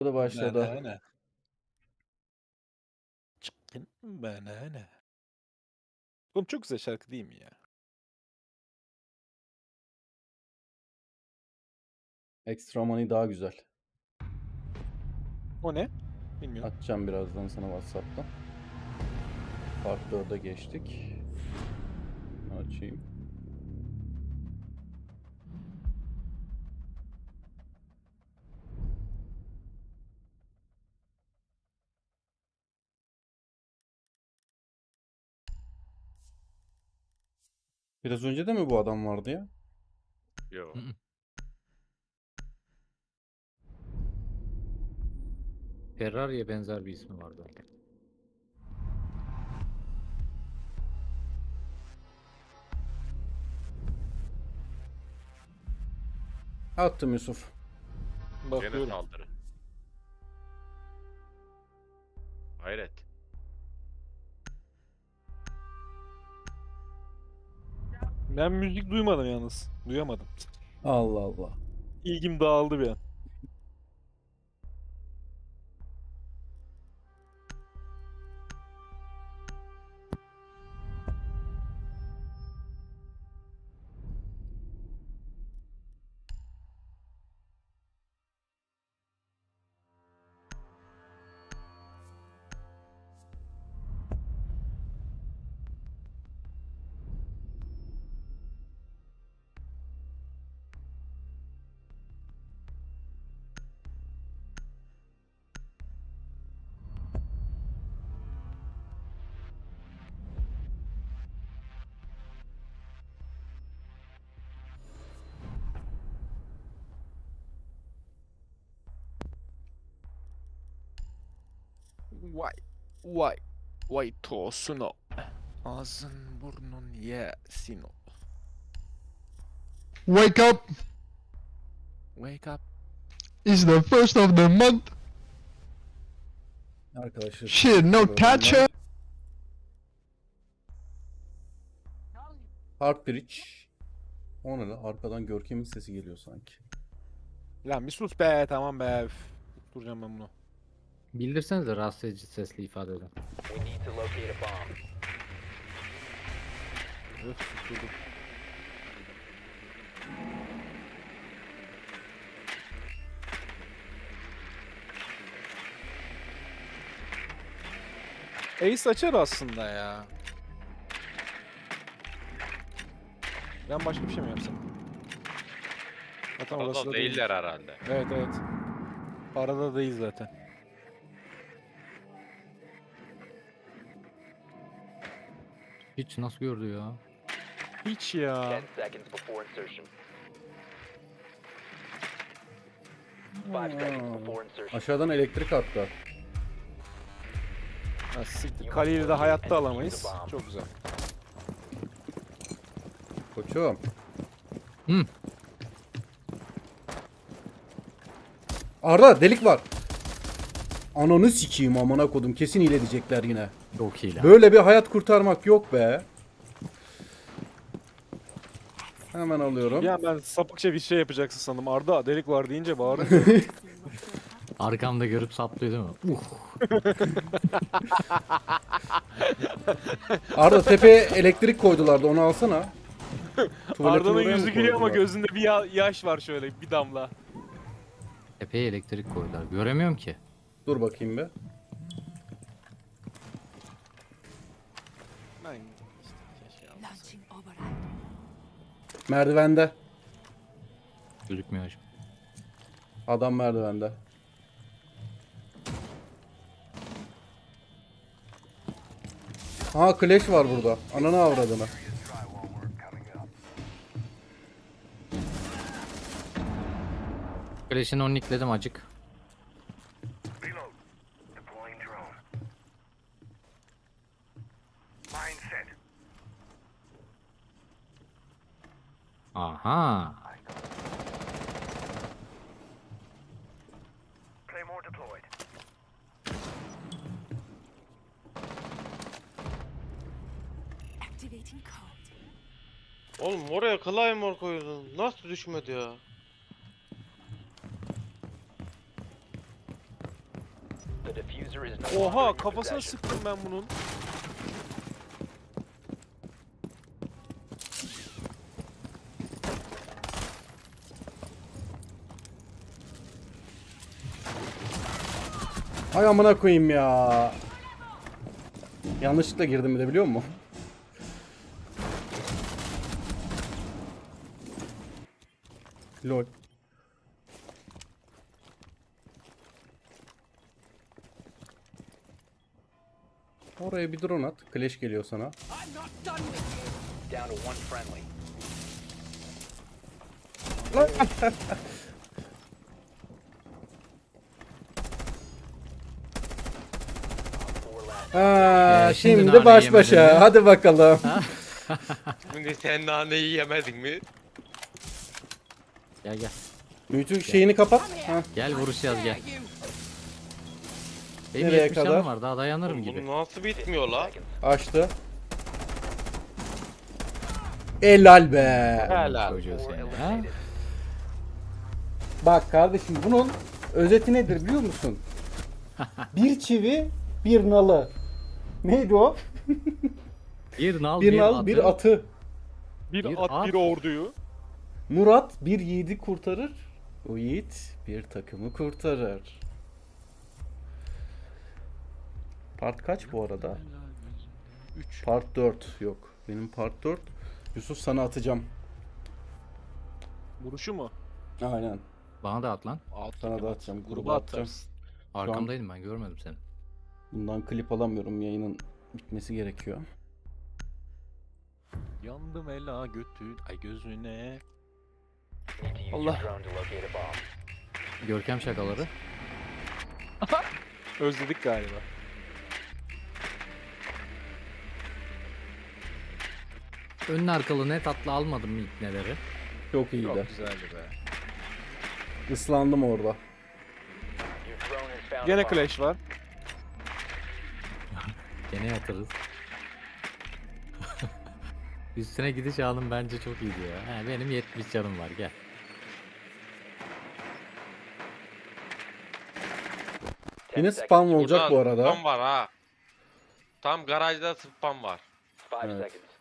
Da başladı. Banana. Chicken banana. Oğlum çok güzel şarkı değil mi ya? Extra Money daha güzel. O ne? Bilmiyorum. Atacağım birazdan sana WhatsApp'tan. Part 4'e geçtik. Açayım. Biraz önce de mi bu adam vardı ya? Yo. Hı hı. Ferrari'ye benzer bir ismi vardı. Attım Yusuf. Gene Bakıyorum. saldırı. Hayret. Ben müzik duymadım yalnız. Duyamadım. Allah Allah. İlgim dağıldı bir an. Vay. Vay tosunu. Ağzın burnun yesin o. Wake up! Wake up. It's the first of the month. Arkadaşlar. Shit, no Böyle touch onlar. up. Heartbridge. O ne lan? Arkadan Görkem'in sesi geliyor sanki. Lan bir sus be, tamam be. Üf. Duracağım ben bunu. Bildirsenize rahatsız edici sesli ifadeden. We need to locate a bomb. Öf, durdum. Ace açar aslında ya. Ben başka bir şey mi yapsam? Zaten orası Orada da değil. değiller herhalde. Evet evet. Arada değil zaten. Hiç nasıl gördü ya? Hiç ya. 10 seconds before insertion. 5 seconds before insertion. Aşağıdan elektrik attı. Ha, siktir. Kaleyi de hayatta alamayız. Çok güzel. Koçum. Hı. Arda delik var. Ananı sikeyim amına kodum. Kesin hile diyecekler yine. Çok iyi lan. Böyle bir hayat kurtarmak yok be. Hemen alıyorum. Ya ben sapıkça bir şey yapacaksın sandım. Arda delik var deyince bağırınca. Arkamda görüp saplıyor değil mi? Arda tepeye elektrik koydulardı, onu alsana. Tuvaletin Arda'nın oraya mı yüzü gülüyor ama koydular? gözünde bir yaş var şöyle bir damla. Tepeye elektrik koydular. Göremiyorum ki. Dur bakayım be. Ben işte keşke almasaydım. Launching override. Merdivende. Gözükmüyor hocam. Adam merdivende. Ha, Clash var burada. Ananı avradını. Flash'ini onnikledim acık. Reload. Deploying drone. Mine set. Aha. Claymore deployed. Activating code. Oğlum oraya Claymore koydun. Nasıl düşmedi ya? The diffuser is no longer in Oha your kafasına possession. sıktım ben bunun. Ay amına koyayım ya. Yanlışlıkla girdim bir de biliyor musun? Lol. Oraya bir drone at. Clash geliyor sana. Down to one friendly. Four last. Ha, şimdi şimdi nane baş yemedin başa. mi? Hadi bakalım. Şimdi sen naneyi yemedin mi? Gel gel. Bütün şeyini kapat. Ha. Gel vuruşacağız gel. Benim Nereye 70 kadar? canım var daha dayanırım Oğlum gibi. bu nasıl bitmiyor la? Seconds. Açtı. Helal be. Helal. Çocuğu Four seni ha. eliminated. Bak kardeşim bunun özeti nedir biliyor musun? Bir çivi, bir nalı. Neydi o? Bir nal Bir nal, bir atı. Bir, Bir at, at. bir orduyu. Murat bir yiğidi kurtarır. O yiğit bir takımı kurtarır. Part kaç bu arada? 3. Part 4 yok. Benim part 4. Yusuf sana atacağım. Vuruşu mu? Aynen. Bana da at lan. At, Sana da atacağım. Gruba Gruba atacağım. atarsın. Arkamdaydım ben görmedim seni. Bundan klip alamıyorum. Yayının bitmesi gerekiyor. Yandım ela götün. Ay gözüne. Need to use Allah. your drone to locate a bomb. Görkem şakaları. Özledik galiba. Önlü arkalı net atlı almadım ilk neleri. Çok iyiydi. Çok güzeldi be. Islandım orada. Your drone has found a Gene bomb. Clash var. Gene yatırız. Üstüne gidiş alım bence çok iyiydi ya. He, benim 70 canım var gel. Yine 10 spam seconds. olacak bu arada. Spam var ha. Tam garajda spam var. 5 Evet. seconds.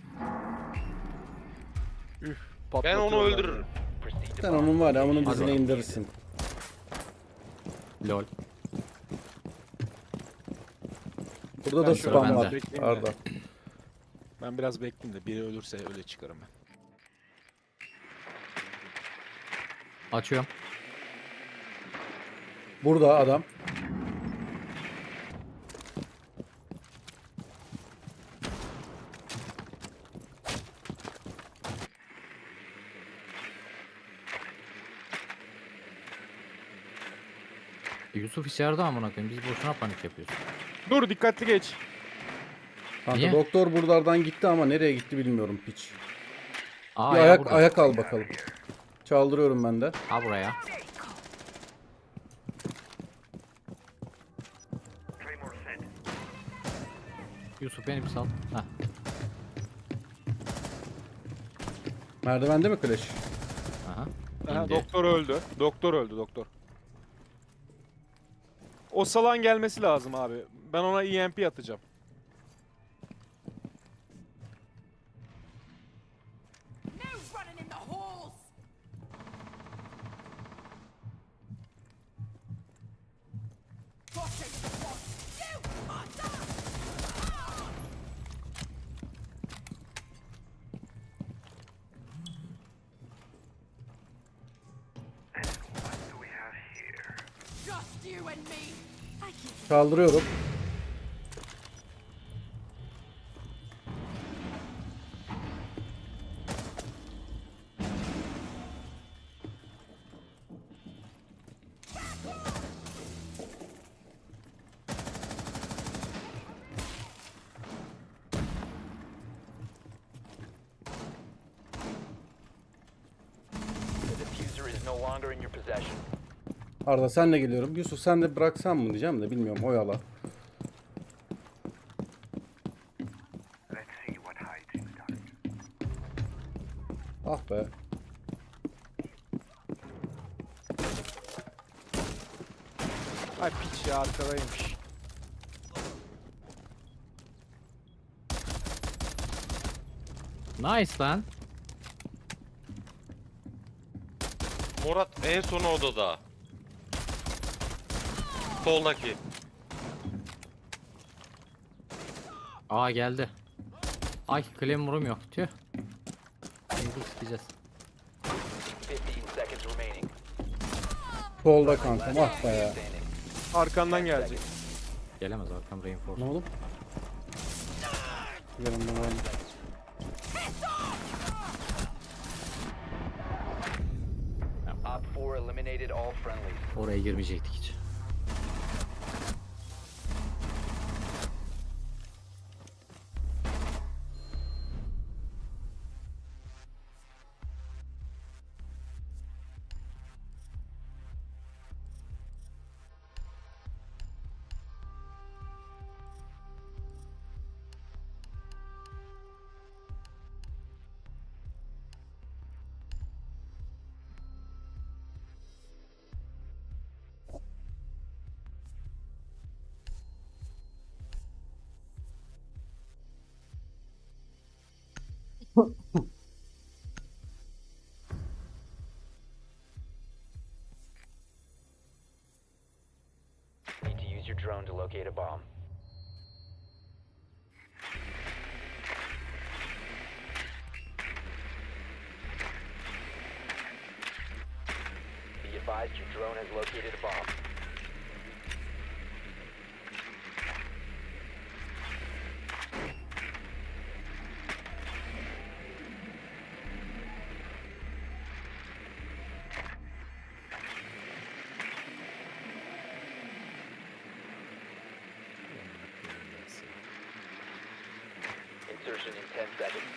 Ben Patlatıyorlar onu öldürürüm. Proceed to Sen bomb onun var ya location. onun dizine indirirsin. Lol. Burada Ben da şöyle spam ben var. de bekleyeyim de. Arda. Ben biraz bekleyeyim de biri ölürse öyle çıkarım ben. Açıyorum. Burada adam. Yusuf içeride amına koyayım. Biz boşuna panik yapıyoruz. Dur dikkatli geç. Kanka Niye? doktor buralardan gitti ama nereye gitti bilmiyorum piç. Aa Bir ya ayak burada. ayak al bakalım. Çaldırıyorum ben de. Ha buraya. Claymore set. Yusuf beni bir sal. Hah. Merdivende mi Clash? Aha. Aha, İndi. doktor öldü. Doktor öldü doktor. O salan gelmesi lazım abi. Ben ona EMP atacağım. No running in the halls! Watching the one! You are done! What do we have here? Just you and me! I keep Çaldırıyorum. The diffuser is no longer in your possession. Arda senle geliyorum. Yusuf sen de bıraksan mı diyeceğim de bilmiyorum oyala. Let's see what hides in the dark. Ah be. Ay piç ya arkadaymış. Nice lan. Murat en son odada. Soldaki. Aa geldi. Ay Claymore'um yok. Tüh. Şimdi sikeceğiz. 15 seconds remaining. Solda kankam ah be ya. Standing. Arkandan gelecek. Gelemez arkam reinforce. Ne oğlum? Yanımdan aynı. Op 4 eliminated all friendlies. Oraya girmeyecektik hiç. Need to use your drone to locate a bomb. Be advised your drone has located a bomb. Insertion in 10 seconds.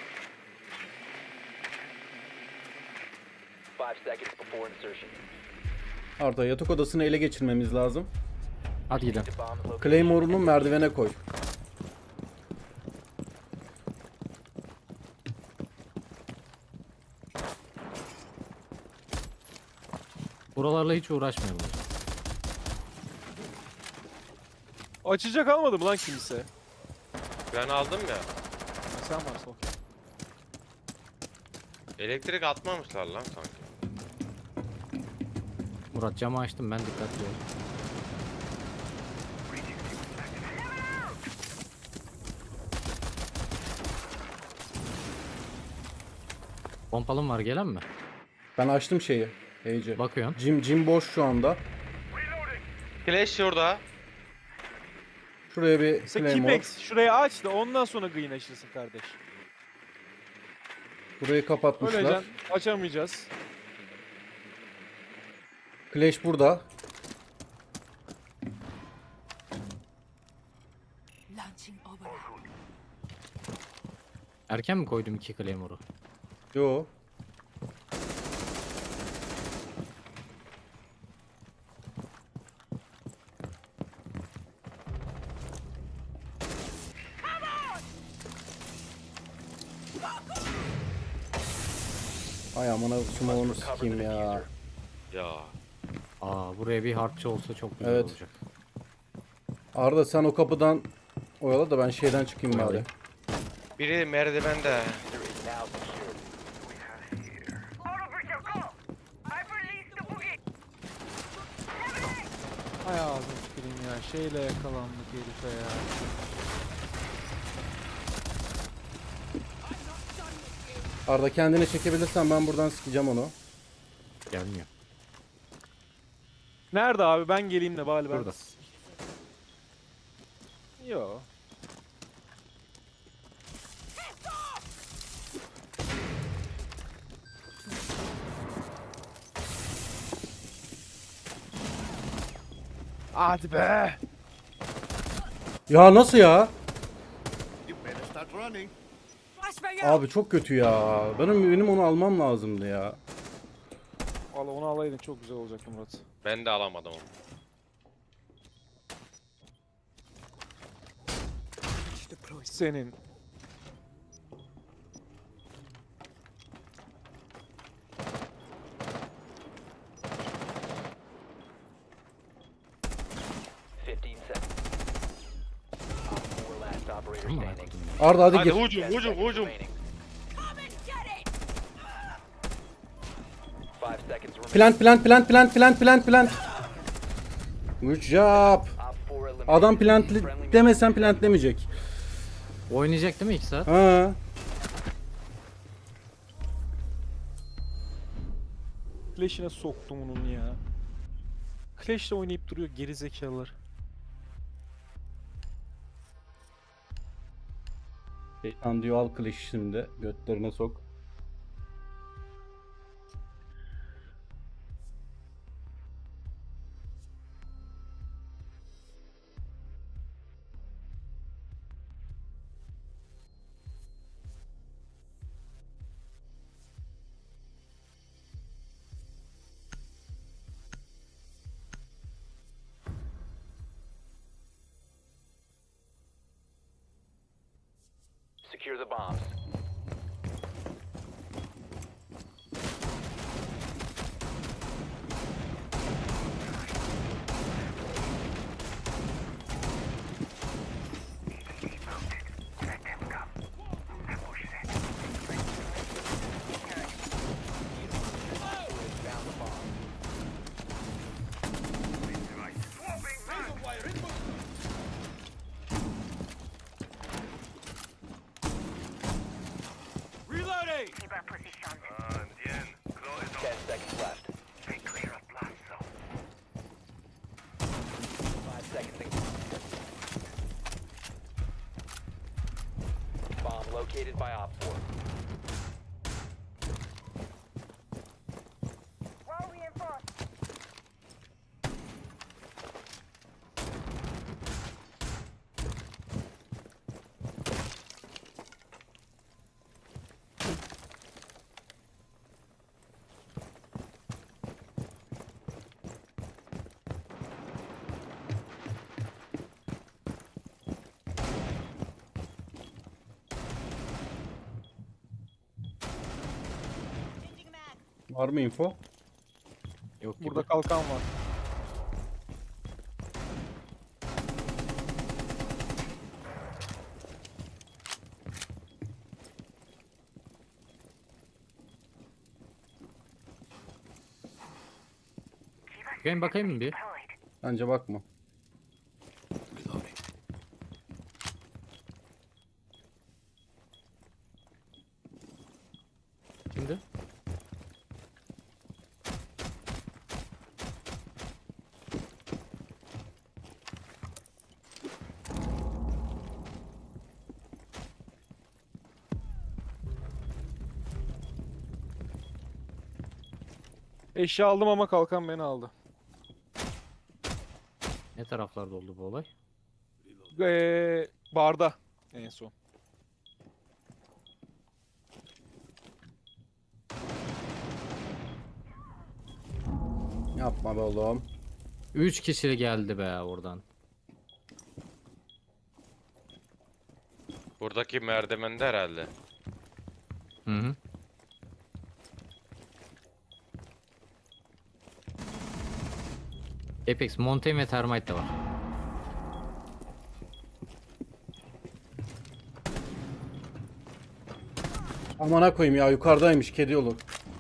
5 seconds before insertion. Arda yatak odasını ele geçirmemiz lazım. Hadi gidelim. The bomb location. Claymore'unu merdivene koy. Buralarla hiç uğraşmayalım. Açacak almadı mı lan kimse? Ben aldım ya. Ha, sen varsın okey. Elektrik atmamışlar lan sanki. Murat camı açtım ben dikkatli ol. Pompalım var gelen mi? Ben açtım şeyi. Heyce. Bakıyorum. Jim boş şu anda. Flash şurada. Şuraya bir Sen Claymore. Kipex şurayı aç da ondan sonra green açılsın kardeş. Burayı kapatmışlar. Öylece açamayacağız. Clash burada. Launching override. Erken mi koydum 2 Claymore'u? Yo. Ay amına smoke'unu sikeyim ya. Ya. Aa buraya bir harpçı olsa çok güzel Evet. olacak. Arda sen o kapıdan oyala da ben şeyden çıkayım bari. Oyalayayım. Biri merdivende. There is now secured. Auto breacher, go! I've released the boogie! Ay ağzım tüküreyim ya. Şeyle yakalandık herife ya. Arda kendini çekebilirsen ben buradan sikeceğim onu. Gelmiyor. Nerede abi? Ben geleyim de bari ben. Burada. Yo. Hadi be. Ya nasıl ya? Flashbang out! Abi çok kötü ya. Benim onu almam lazımdı ya. Valla onu alaydın çok güzel olacaktı Murat. Ben de alamadım onu. Senin. mı? standing. Arda hadi Hadi gir. hücum 10 hücum seconds hücum. remaining. 5 seconds remaining. Plant. Good job. Op 4 eliminated. Adam plantli Friendly demesen plantlemeyecek. Oynayacak değil mi 2 saat? Ha. Clash'ine soktum onun ya. Clash'le oynayıp duruyor geri zekalılar. Şeytan diyor al kılıç şimdi. Götlerine sok. Secure the bombs. Let them come. Ambush set. Found the bomb. Swapping mag. Keep our position. Bien. Claw is 10 seconds left. Stay clear of blast zone. 5 seconds. Bomb located by Op 4. Well reinforced. Var mı info? Yok gibi. Burada kalkan var. Bakayım mı bir? Deployed. Bence bakma. Şimdi. Eşya aldım ama kalkan beni aldı. Ne taraflarda oldu bu olay? Barda en son. Yapma be oğlum. 3 kişi geldi be oradan. Buradaki merdivende herhalde. Hı hı. Apex, Montaigne ve Termite de var. Amına koyayım ya yukarıdaymış kedi yolu.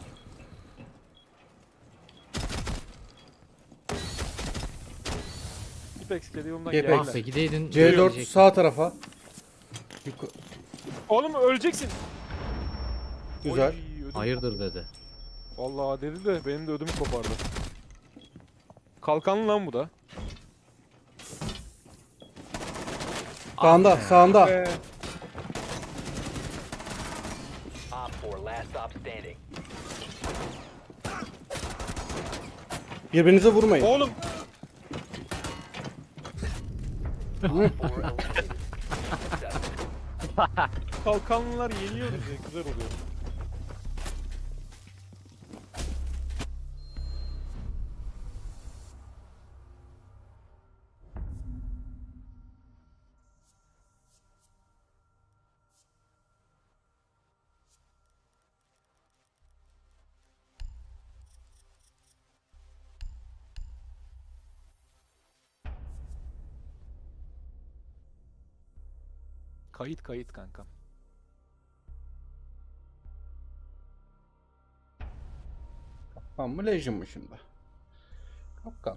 Apex kedi yolundan Apex. geldiler. Ah be gideydin. C4 gelecektin. sağ tarafa. Oğlum öleceksin. Güzel. Oy, ödüm Hayırdır dedi. Vallahi dedi de benim de ödümü kopardı. Kalkanlı lan bu da. Sağında sağında. Op 4 last stop standing. Birbirinize vurmayın. Oğlum 4 eliminated. kalkanlılar yeniyor bize güzel oluyor. Kayıt kankam. Kapkan mı Legion mı şimdi? Kapkan.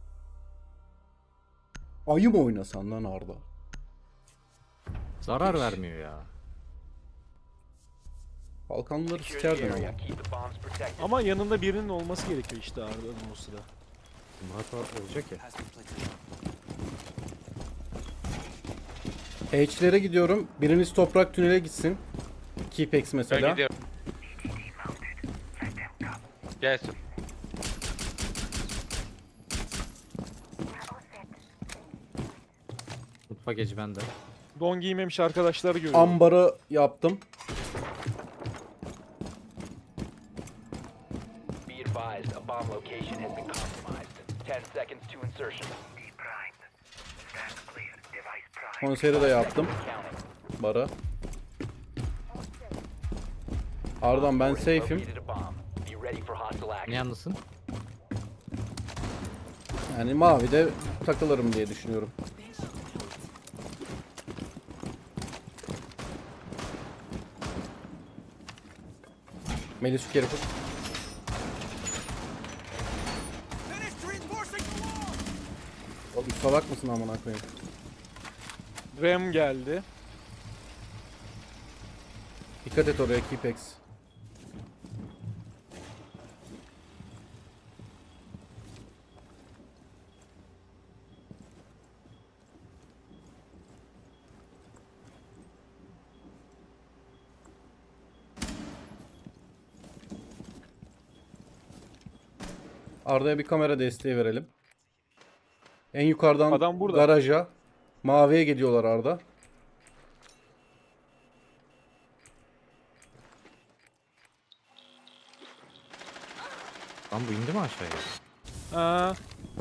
Ayı mı oynasan lan Arda? Zarar vermiyor ya. Balkanlıları Secure the sikerdin area. ama. Keep the bombs protected. Ama yanında birinin olması gerekiyor işte Arda'nın o sırada. Murat olacak ya. H'lere gidiyorum. Biriniz toprak tünele gitsin. Keepex Ben mesela. gidiyorum. Gelsin. Mutfak eci bende. Don giymemiş arkadaşlar görüyorum. Ambarı yaptım. Be advised, a bomb location has been compromised. 10 seconds to insertion. Deprimed. Stand clear. Device prime. Konseri de yaptım. Counting. Bara. Arda'm ben safe'im. Located a bomb. Be ready for hostile Ne action. yalnızsın? Yani mavide takılırım diye düşünüyorum. Melis şu kere tut. Oğlum salak mısın amına koyayım? Rem geldi. Dikkat et oraya Keepex. Arda'ya bir kamera desteği verelim. En yukarıdan Adam burada. garaja. Maviye gidiyorlar Arda. Lan bu indi mi aşağıya? Aa,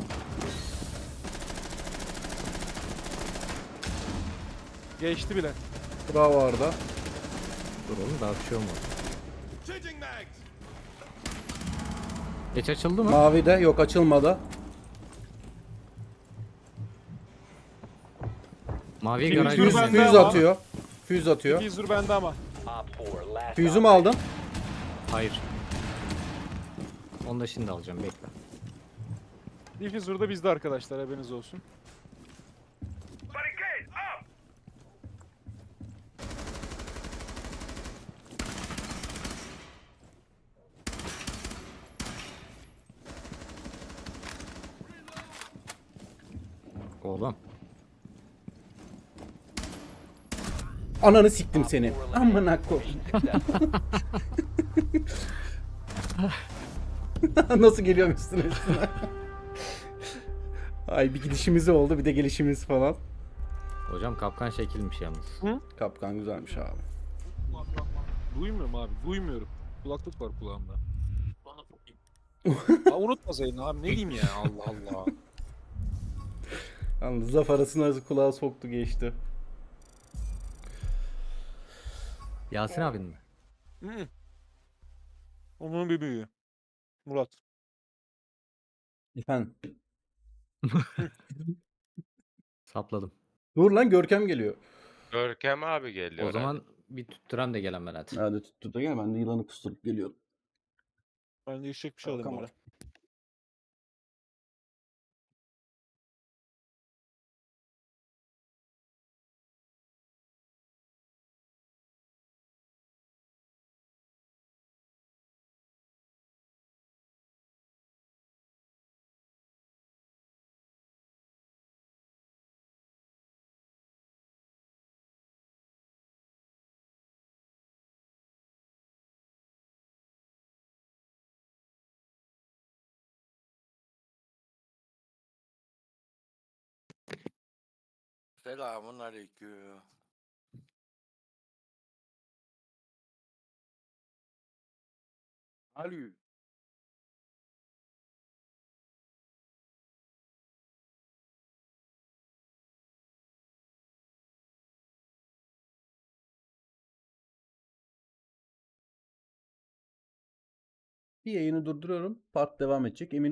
geçti bile. Bravo Arda. Dur oğlum daha bir şey olmadı. Geç açıldı mı? Mavide yok açılmadı. Maviye Füze garaj bende girdi. Füz ama. atıyor. Füz atıyor. Diffuser bende ama. Op 4, last Füzümü op- aldım. Hayır. Onu da şimdi alacağım bekle. Diffuser da bizde arkadaşlar, haberiniz olsun. Barricade up! Oğlum. Ananı siktim seni. Amına koy. Successful. Nasıl geliyorum üstüne üstüne. Ay bir gidişimiz oldu bir de gelişimiz falan. Hocam kapkan şekilmiş yalnız. Kapkan güzelmiş abi. Duymuyorum abi, duymuyorum. Kulaklık var kulağımda. Aa, unutmasaydın abi, ne diyeyim ya, Allah Allah. Yalnız laf arasına kulağa soktu geçti. Yasin abin mi? Hı. Onun bir büyüğü. Murat. Efendim. Sapladım. Dur lan Görkem geliyor. Görkem abi geliyor. O zaman bir tüttüren de gelen Berat. Hadi tuttu da gel ben de yılanı kusturup geliyorum. Ben de içecek bir şey alayım Tamam. böyle. Selamun aleyküm. Alo. Bir yayını durduruyorum. Part devam edecek. Emin